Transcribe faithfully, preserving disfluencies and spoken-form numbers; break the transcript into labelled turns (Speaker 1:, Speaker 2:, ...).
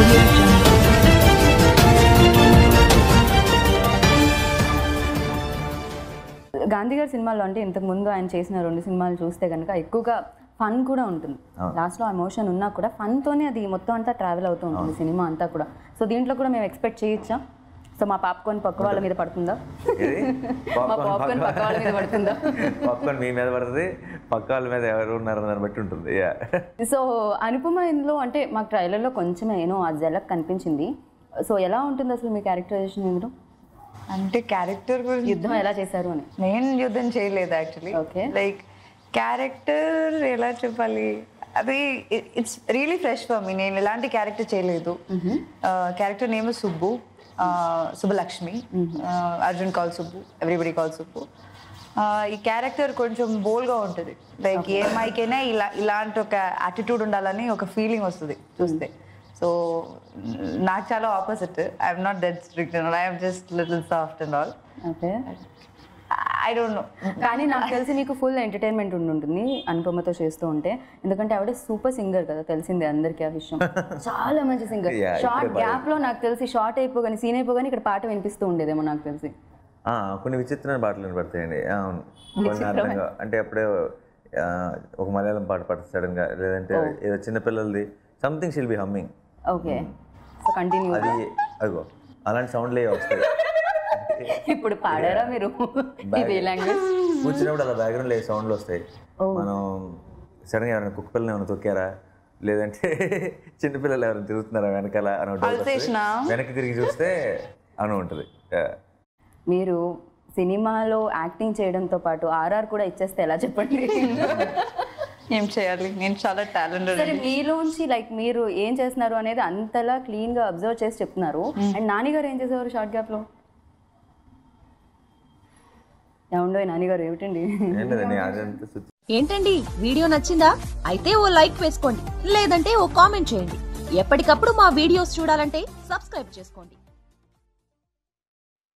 Speaker 1: Audio Jungle.
Speaker 2: Gandhi గారి సినిమాలో అంటే ఇంతకు ముందు ఆయన చేసిన రెండు సినిమాలు చూస్తే కనుక ఎక్కువగా ఫన్ కూడా ఉంటుంది. లాస్ట్లో ఎమోషన్ ఉన్నా కూడా ఫన్తోనే అది మొత్తం అంతా ట్రావెల్ అవుతూ ఉంటుంది సినిమా అంతా కూడా. సో దీంట్లో కూడా మేము ఎక్స్పెక్ట్ చేయొచ్చా? సో మా పాప్కార్న్ పక్క వాళ్ళ మీద పడుతుందా? మా పాప్కార్న్ పక్క వాళ్ళ మీద పడుతుందా?
Speaker 3: పాప్కార్న్ మీ మీద పడుతుంది, పక్క వాళ్ళ మీద ఎవరు ఉన్నారని దాన్ని బట్టి ఉంటుంది.
Speaker 2: సో అనుపమ ఇందులో అంటే మాకు ట్రైలర్లో కొంచెం ఏనో ఆ జలక్ కనిపించింది. సో ఎలా ఉంటుంది అసలు మీ క్యారెక్టరైజేషన్ ఇందులో?
Speaker 4: అంటే క్యారెక్టర్ గురించి
Speaker 2: యుద్ధం ఎలా చేశారు అని.
Speaker 4: నేను యుద్ధం చేయలేదు యాక్చువల్లీ.
Speaker 2: ఓకే.
Speaker 4: లైక్ క్యారెక్టర్ ఎలా చెప్పాలి, అది it's really fresh for me. నేను ఎలాంటి క్యారెక్టర్ చేయలేదు. Character name Subbu, Subbalakshmi. Arjun call Subbu, everybody call Subbu. ఈ క్యారెక్టర్ కొంచెం బోల్డ్గా ఉంటుంది. లైక్ ఏ అమ్మాయికైనా ఇలా ఇలాంటి ఒక యాటిట్యూడ్ ఉండాలని ఒక ఫీలింగ్ వస్తుంది చూస్తే. సో నాకు చాలా opposite. I'm not that strict and I'm just little soft and all.
Speaker 2: Okay.
Speaker 4: I don't know.
Speaker 2: కానీ నాకు తెలిసి నీకు ఫుల్ ఎంటర్టైన్మెంట్ ఉండుంటుంది అనుపమతో చేస్తూ ఉంటే. ఎందుకంటే ఆవిడ సూపర్ సింగర్ కదా, తెలిసిందే అందరికీ ఆ విషయం. చాలా మంచి సింగర్. షార్ట్ గ్యాప్ లో నాకు తెలిసి షార్ట్ అయిపోగానే సీన్ అయిపోగానే ఇక్కడ పాట వినిపిస్తూ ఉండేదేమో నాకు తెలిసి.
Speaker 3: కొన్ని విచిత్రమైన పాటలు వినపడతాయండి. అవును, కొన్ని అర్థంగా అంటే అప్పుడే ఒక మలయాళం పాట పాడుతుంది సడన్ గా, లేదంటే ఏదో చిన్నపిల్లలది సంథింగ్ షిల్ బి హమ్మింగ్.
Speaker 2: ఓకే. So continue.
Speaker 3: అది అదిగో అలాంటి సౌండ్లే వస్తాయి.
Speaker 2: ఇప్పుడు పాడారా మీరు ఈ లాంగ్వేజ్?
Speaker 3: కూర్చున్నప్పుడు అలా బ్యాక్గ్రౌండ్లో ఏ సౌండ్లు వస్తాయి. మనం సడన్గా ఎవరైనా కుక్క పిల్లలు ఏమైనా తొక్కారా, లేదంటే చిన్నపిల్లలు ఎవరైనా తిరుగుతున్నారా వెనకాల అని వెనక్కి తిరిగి చూస్తే అని ఉంటుంది.
Speaker 2: మీరు సినిమాలో యాక్టింగ్ చేయడంతో పాటు ఆర్ఆర్ కూడా ఇచ్చేస్తే ఎలా చెప్పండి?
Speaker 4: ఏం చేయాలి, నేను చాలా టాలెంటెడ్.
Speaker 2: సరే, మీలోంచి లైక్ మీరు ఏం చేస్తున్నారు అనేది అంతలా క్లీన్ గా అబ్జర్వ్ చేసి చెప్తున్నారు. అండ్ నాని గారు ఏం చేసేవారు షార్ట్ గ్యాప్ లో? ఏముండో నాని గారు ఏమిటండి?
Speaker 5: ఏంటండి వీడియో నచ్చిందా? అయితే ఓ లైక్ వేసుకోండి, లేదంటే ఓ కామెంట్ చేయండి. ఎప్పటికప్పుడు మా వీడియోస్ చూడాలంటే సబ్స్క్రైబ్ చేసుకోండి.